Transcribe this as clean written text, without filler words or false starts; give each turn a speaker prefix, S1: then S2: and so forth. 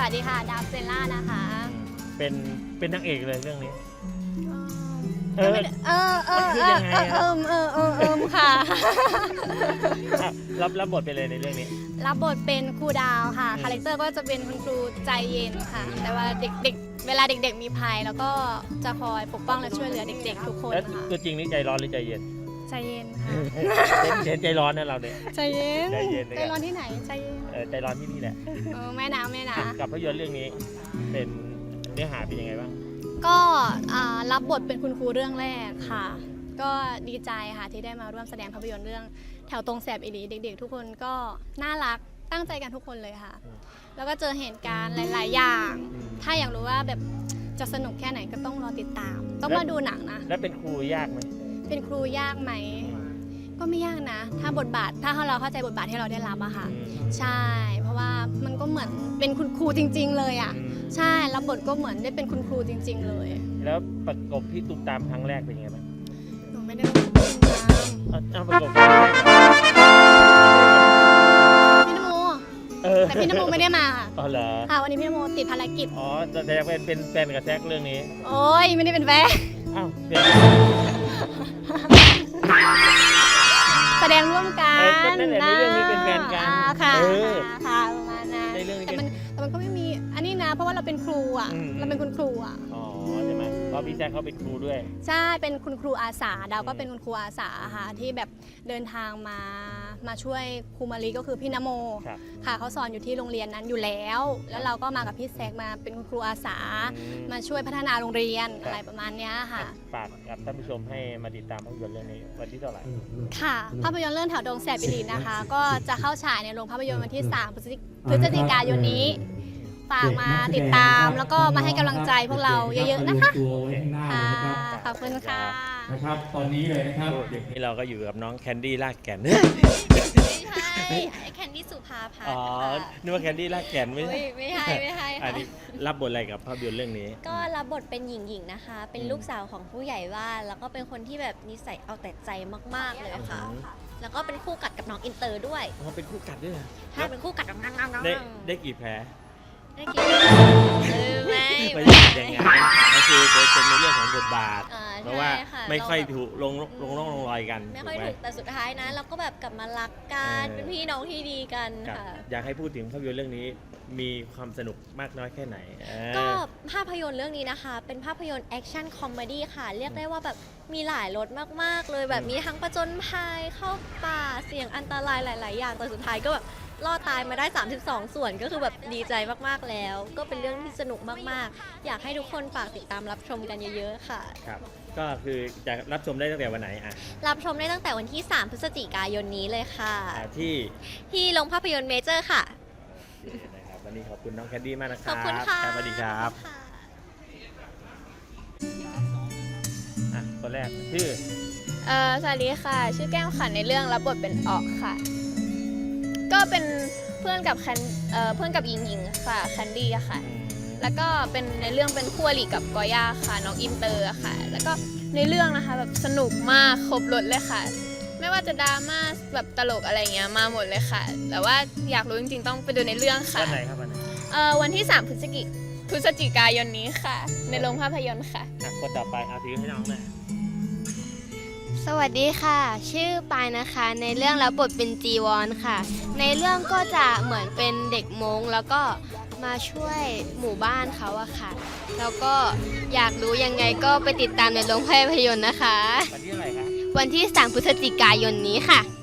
S1: วัสดีค่ะดาวเซลล่านะคะ
S2: เป็นนางเอกเลยเรื่องนี้
S1: ค่ะ
S2: รับบทไปเลยในเรื่องนี้
S1: รับบทเป็นครูดาวค่ะคาแรคเตอร์ก็จะเป็นคุณครูใจเย็นค่ะแต่ว่าเด็กๆเวลาเด็กๆมีภัยแล้วก็จะคอยปกป้องและช่วยเหลือเด็กๆทุกคน
S2: แล้ว
S1: ค่ะ
S2: ตัวจริงนี่ใจร้อนหรือใจเย็น
S1: ใจเย็นค่ะ
S2: เห็นใจร้อนนะเราเนี่ย
S1: ใจเย็น
S2: ใจเย็น
S1: ใจร้อนที่ไหนใจเย็น
S2: ใจร้อนที่นี่แหละ
S1: แม่นะ
S2: กับภาพยนตร์เรื่องนี้เป็นเนื้อหาเป็นยังไงบ้าง
S1: ก็รับบทเป็นคุณครูเรื่องแรกค่ะ ก็ดีใจค่ะที่ได้มาร่วมแสดงภาพยนตร์เรื่องแถวตรงแสบอีหลีเด็กๆทุกคนก็น่ารักตั้งใจกันทุกคนเลยค่ะแล้วก็เจอเหตุการณ์หลายๆอย่างถ้าอยากรู้ว่าแบบจะสนุกแค่ไหนก็ต้องรอติดตามต้องมาดูหนังนะ
S2: แล้วเป็นครูยากไหม
S1: เป็นครูยากไหมก็ไม่ยากนะถ้าบทบาทถ้าเราเข้าใจบทบาทที่เราได้รับอะค่ะใช่เพราะว่ามันก็เหมือนเป็นคุณครูจริงๆเลยอะใช่รับบทก็เหมือนได้เป็นคุณครูจริงๆเลย
S2: แล้วประกบพี่ตุ้มตามครั้งแรกเป็นยังไงบ้าง
S1: หนูไม่ได้ประกบพี่ตุ้มตาม
S2: ประกบครั้งแรก
S1: พี่นโมแต่พี่นโมไม่ได้มา
S2: อ๋อเหรอ
S1: ค่ะวันนี้พี่นโมติดภารกิจ
S2: แต่เป็นแฟนกับแซคเรื่องนี้
S1: โอ้ยไม่ได้เป็นแฟน
S2: อ้าวเป็น
S1: แสดงร่วมกัน
S2: นั่นแหละในเรื่องนี้เป็นแฟนกัน
S1: ค่ะประมาณนั้นแต่มันก็ไม่มีอันนี้นะเพราะว่าเราเป็นครูอ่ะเราเป็นคุณครูอ่ะ
S2: ใช่ไหมเพราะพี่แจ๊คเขาเป็นครูด้วย
S1: ใช่เป็นคุณครูอาสาดาวก็เป็นคุณครูอาสาค่ะที่แบบเดินทางมาช่วยครูมารีก็คือพี่นโมค่ะเขาสอนอยู่ที่โรงเรียนนั้นอยู่แล้วเราก็มากับพี่แซกมาเป็นคุณครูอาสามาช่วยพัฒนาโรงเรียนอะไรประมาณนี้ค่ะ
S2: ฝากกับท่านผู้ชมให้มาติดตามภาพยนตร์เรื่องนี้วันที่เท่าไหร่
S1: ค่ะภาพยนตร์เรื่องแถวดงแสบอีหลีนะคะก็จะเข้าฉายในโรงภาพยนตร์วันที่3 พฤศจิกายนนี้ฝากมาติดตามแล้วก็มาให้กำลังใจพวกเราเยอะๆนะคะขอบคุณค่ะ
S3: นะครับตอนนี้เลยนะครับ
S2: นี่เราก็อยู่กับน้องแคนดี้ลากแก่น
S4: ไม่ใช่แคนดี้สุภาพันธ์
S2: นึกว่าแคนดี้ลากแก่นไม่ใช่อันนี้รับบทอะไรกับภาพยนตร์เรื่องนี้
S4: ก็รับบทเป็นหญิงๆนะคะเป็นลูกสาวของผู้ใหญ่บ้านแล้วก็เป็นคนที่แบบนิสัยเอาแต่ใจมากๆเลยค่ะแล้วก็เป็นคู่กัดกับน้องอินเตอร์ด้วย
S2: เป็นคู่กัดด้วย
S4: ใช่เป็นคู่กัดกับน้อง
S2: ได้กี่แพ้
S4: ได้กี่ไม่
S2: อย่างงั้นก็คือเป็นในเรื่องของบทบาทเพราะว่าไม่ค่อยถูกลงรอยกัน
S4: ไม่ค่อยถูกแต่สุดท้ายนะเราก็แบบกลับมารักกันเป็นพี่น้องที่ดีกันค่ะ
S2: อยากให้พูดถึงภาพยนตร์เรื่องนี้มีความสนุกมากน้อยแค่ไหน
S4: ก็ภาพยนตร์เรื่องนี้นะคะเป็นภาพยนตร์แอคชั่นคอมเมดี้ค่ะเรียกได้ว่าแบบมีหลายรสมากๆเลยแบบมีทั้งประจนภัยเข้าป่าเสี่ยงอันตรายหลายๆอย่างแต่สุดท้ายก็แบบรอดตายมาได้32ส่วนก็คือแบบดีใจมากๆแล้วก็เป็นเรื่องที่สนุกมากๆอยากให้ทุกคนฝากติดตามรับชมกันเยอะๆค่ะ
S2: ครับก็คือจะรับชมได้ตั้งแต่วันไหน
S4: รับชมได้ตั้งแต่วันที่3 พฤศจิกายนนี้เลยค่ะ
S2: ที่
S4: โรงภาพยนตร์เมเจอร์ค่ะ
S2: นะครับวันนี้ขอบคุณน้องแคนดี้มากนะครับ
S4: ขอบคุณค่ะ
S2: สวัสดีครับคนแรกชื่อ
S5: สวัสดีค่ะชื่อแก้มค่ะในเรื่องรับบทเป็นออกค่ะก็เป็นเพื่อนกับหญิงค่ะแคนดี้ค่ะแล้วก็เป็นในเรื่องเป็นคู่อริกับกอย่าค่ะน้องอินเตอร์ค่ะแล้วก็ในเรื่องนะคะแบบสนุกมากครบรสเลยค่ะไม่ว่าจะดราม่าแบบตลกอะไรเงี้ยมาหมดเลยค่ะแต่ว่าอยากรู้จริงๆต้องไปดูในเรื่องค่ะ
S2: วันไหนครับ
S5: วันที่3 พฤศจิกายนนี้ค่ะในโรงภาพยนตร์ค่ะ
S2: คนต่อไปถือให้น้องเลย
S6: สวัสดีค่ะชื่อปายนะคะในเรื่องรับบทเป็นจีวอนค่ะในเรื่องก็จะเหมือนเป็นเด็กมงแล้วก็มาช่วยหมู่บ้านเขาอะค่ะแล้วก็อยากรู้ยังไงก็ไปติดตามในโรงภาพยนตร์นะคะ
S2: วันที่อะไรคะ
S6: วันที่3 พฤศจิกายนนี้ค่ะ